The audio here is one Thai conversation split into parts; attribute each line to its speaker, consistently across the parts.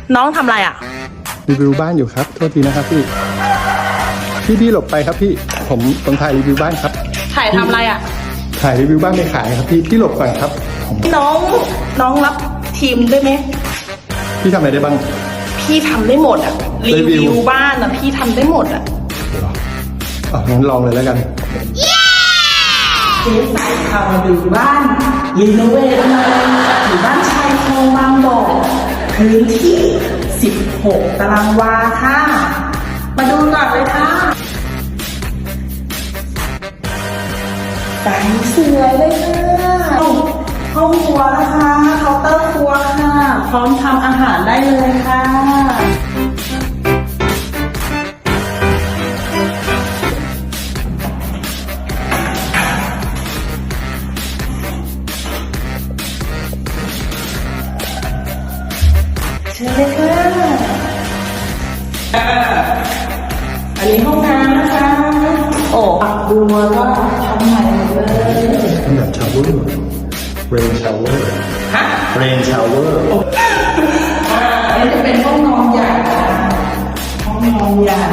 Speaker 1: น้องทำอะไรอ่ะ
Speaker 2: รีวิวบ้านอยู่ครับโทษทีนะครับพี่หลบไปครับผมต้องถ่ายรีวิวบ้านครับ
Speaker 1: ถ่ายทำอะไรอ่ะ
Speaker 2: ถ่ายรีวิวบ้านไปขายครับพี่หลบก่อนครับ
Speaker 1: น้องรับทีมได้ไหม
Speaker 2: พี่ทำอะไรได้บ้าง
Speaker 1: พี่ทำได้หมดอ่ะรีวิวบ้านอ่ะพี่ทำได้หมดอ่ะ
Speaker 2: งั้นลองเลยแล้วกัน
Speaker 1: เจ๊สายพามาดูบ้านรีโนเวทมาอยู่บ้านชายคลองบางบ่อพื้นที่16 ตารางวาค่ะมาดูก่อนเลยค่ะแต่สวยเลยค่ะห้องครัวนะคะเคาน์เตอร์ครัวค่ะพร้อมทำอาหารได้เลยค่ะเชิญเลยค่ะอันนี้ห้องน้ำนะคะโอ้ปักบัวก็ทำใหม่เลย
Speaker 2: แบบชาวเวอร์เรนชาวเวอร์
Speaker 1: ฮะ
Speaker 2: เรนชาวเวอร์
Speaker 1: อันนี้จะเป็นห้องนอนใหญ่ห้องนอนใหญ่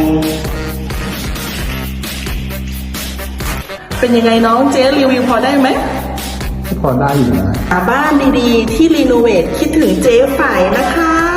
Speaker 1: เป็นยังไงน้องเจ๊รีวิวพอได้ไหม
Speaker 2: พอได้อยู่นะ
Speaker 1: บ้านดีๆที่รีโนเวทคิดถึงเจ๊ฝ่ายนะคะ